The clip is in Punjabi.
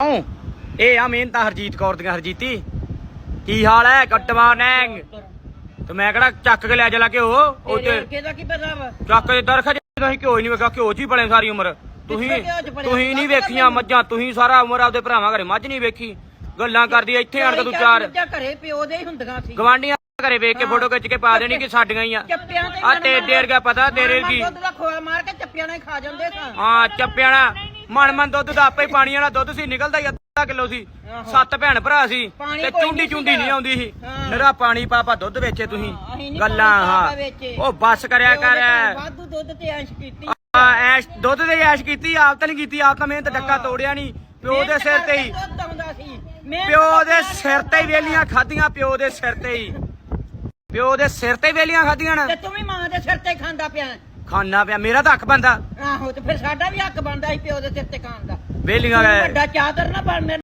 ਇਹ ਆ ਮਿਹਨਤ ਹਰਜੀਤ ਕੌਰ ਦੀਆਂ। ਹਰਜੀਤੀ ਕੀ ਹਾਲ ਹੈ? Good morning. ਤੇ ਮੈਂ ਕਿਹੜਾ ਚੱਕ ਕੇ ਲੈ ਚਲਾ ਘਿਓ ਉਹ ਚੱਕ ਕੇ ਦਰਖਤ ਤੁਸੀਂ ਘਿਓ ਹੀ ਨਹੀਂ ਵੇਖਿਆ। ਘਿਓ ਚ ਹੀ ਬਣੇ ਸਾਰੀ ਉਮਰ। ਤੁਸੀਂ ਨਹੀਂ ਵੇਖੀਆਂ ਮੱਝਾਂ। ਤੁਸੀਂ ਸਾਰਾ ਉਮਰ ਆਪਦੇ ਭਰਾਵਾਂ ਘਰੇ ਮੱਝ ਨਹੀਂ ਵੇਖੀ। ਗੱਲਾਂ ਕਰਦੀ ਇੱਥੇ ਆਣ ਕੇ ਤੂੰ ਚਾਰ ਘਰੇ ਪਿਓ ਦੇ ਹੁੰਦੀਆਂ ਸੀ। ਗਵਾਂਢੀਆਂ ਘਰੇ ਵੇਖ ਕੇ ਫੋਟੋ ਖਿੱਚ ਕੇ ਪਾ ਦੇਣੀ ਕਿ ਸਾਡੀਆਂ ਹੀ ਆ। ਆ ਤੇਰੇ ਗਿਆ ਪਤਾ ਤੇਰੇ ਕੀ ਦੁੱਧ ਦਾ ਖੋਆ ਮਾਰ ਕੇ ਚੱਪਿਆਂ ਨਾਲ ਖਾ ਜਾਂਦੇ ਸਾਂ। ਹਾਂ ਚੱਪਿਆਂ ਨਾਲ ਮਨ ਦੁੱਧ ਦਾ ਆਪੇ ਪਾਣੀ ਵਾਲਾ ਦੁੱਧ ਸੀ। ਨਿਕਲਦਾ ਹੀ ਅੱਧਾ ਕਿਲੋ ਸੀ। 7 ਭੈਣ ਭਰਾ ਸੀ ਤੇ ਚੁੰਡੀ ਨਹੀਂ ਆਉਂਦੀ ਸੀ। ਨਿਰਾ ਪਾਣੀ ਪਾਪਾ ਦੁੱਧ ਵੇਚੇ ਤੁਸੀਂ। ਗੱਲਾਂ ਹਾਂ ਉਹ ਬੱਸ ਕਰਿਆ ਕਰ। ਵਾਧੂ ਦੁੱਧ ਤੇ ਐਸ਼ ਕੀਤੀ। ਐਸ਼ ਦੁੱਧ ਤੇ ਐਸ਼ ਕੀਤੀ। ਆਪ ਤਾਂ ਨਹੀਂ ਕੀਤੀ। ਆਪ ਤਾਂ ਮਿਹਨਤ ਡੱਕਾ ਤੋੜਿਆ ਨਹੀਂ। ਪਿਓ ਦੇ ਸਿਰ ਤੇ ਹੀ ਪਿਓ ਦੇ ਸਿਰ ਤੇ ਹੀ ਵੇਲੀਆਂ ਖਾਧੀਆਂ। ਪਿਓ ਦੇ ਸਿਰ ਤੇ ਹੀ ਪਿਓ ਦੇ ਸਿਰ ਤੇ ਵੇਲੀਆਂ ਖਾਧੀਆਂ ਨਾ। ਤੇ ਤੂੰ ਵੀ ਮਾਂ ਦੇ ਸਿਰ ਤੇ ਖਾਂਦਾ ਪਿਆ। ਖਾਣਾ ਪਿਆ। ਮੇਰਾ ਤਾਂ ਹੱਕ ਬਣਦਾ। ਆਹੋ ਤੇ ਫਿਰ ਸਾਡਾ ਵੀ ਹੱਕ ਬਣਦਾ ਸੀ ਪਿਓ ਦੇ ਸਿਰ ਤੇ ਖਾਣ ਦਾ। ਵੇਲੀਆਂ ਵੱਡਾ ਚਾਦਰ ਨਾ ਬਣ।